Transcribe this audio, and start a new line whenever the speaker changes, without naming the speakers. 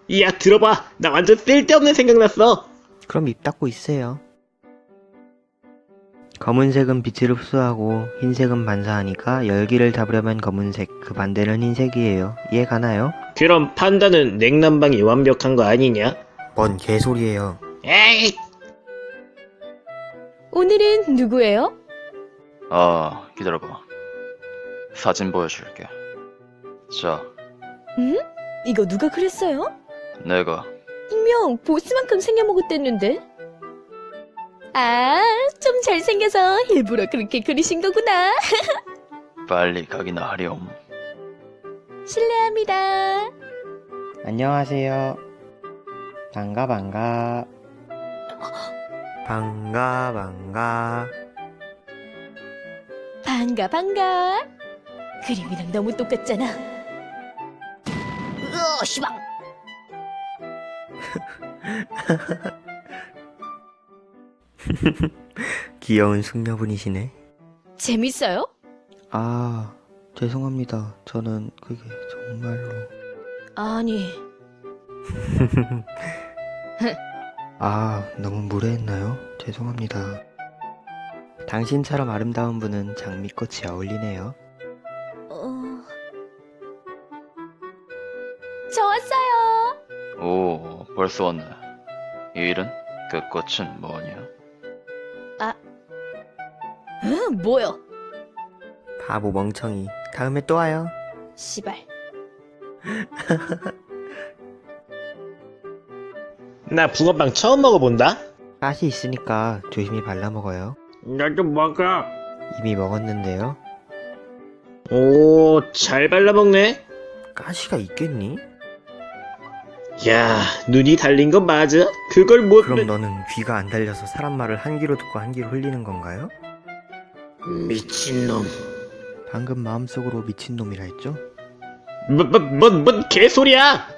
야, 들어봐. 나 완전 쓸데없는 생각 났어.
그럼 입 닫고 있으세요. 검은색은 빛을 흡수하고 흰색은 반사하니까 열기를 잡으려면 검은색, 그 반대는 흰색이에요. 이해 가나요?
그럼 판다는 냉난방이 완벽한 거 아니냐?
뭔 개소리예요.
에이!
오늘은 누구예요?
기다려봐. 사진 보여줄게. 자,
응? 이거 누가 그랬어요?
내가.
분명 보스만큼 생겨먹었댔는데? 아, 좀 잘생겨서 일부러 그렇게 그리신 거구나.
빨리 가기나 하렴.
실례합니다.
안녕하세요. 반가. 반가.
반가. 그림이랑 너무 똑같잖아. 시방.
귀여운 숙녀분이시네.
재밌어요?
아, 죄송합니다. 저는 그게 정말로.
아니,
아, 너무 무례했나요? 죄송합니다. 당신처럼 아름다운 분은 장미꽃이 어울리네요.
저 왔어요.
오, 벌써 왔네. 이 일은? 그 꽃은 뭐냐?
뭐요?
바보 멍청이. 다음에 또 와요.
시발.
나 붕어빵 처음 먹어본다?
가시 있으니까 조심히 발라먹어요.
나도 먹어.
이미 먹었는데요.
오, 잘 발라먹네.
가시가 있겠니?
야, 눈이 달린 건 맞아? 그걸 못...
그럼 너는 귀가 안 달려서 사람 말을 한 귀로 듣고 한 귀로 흘리는 건가요?
미친놈.
방금 마음속으로 미친놈이라 했죠?
뭔 개소리야!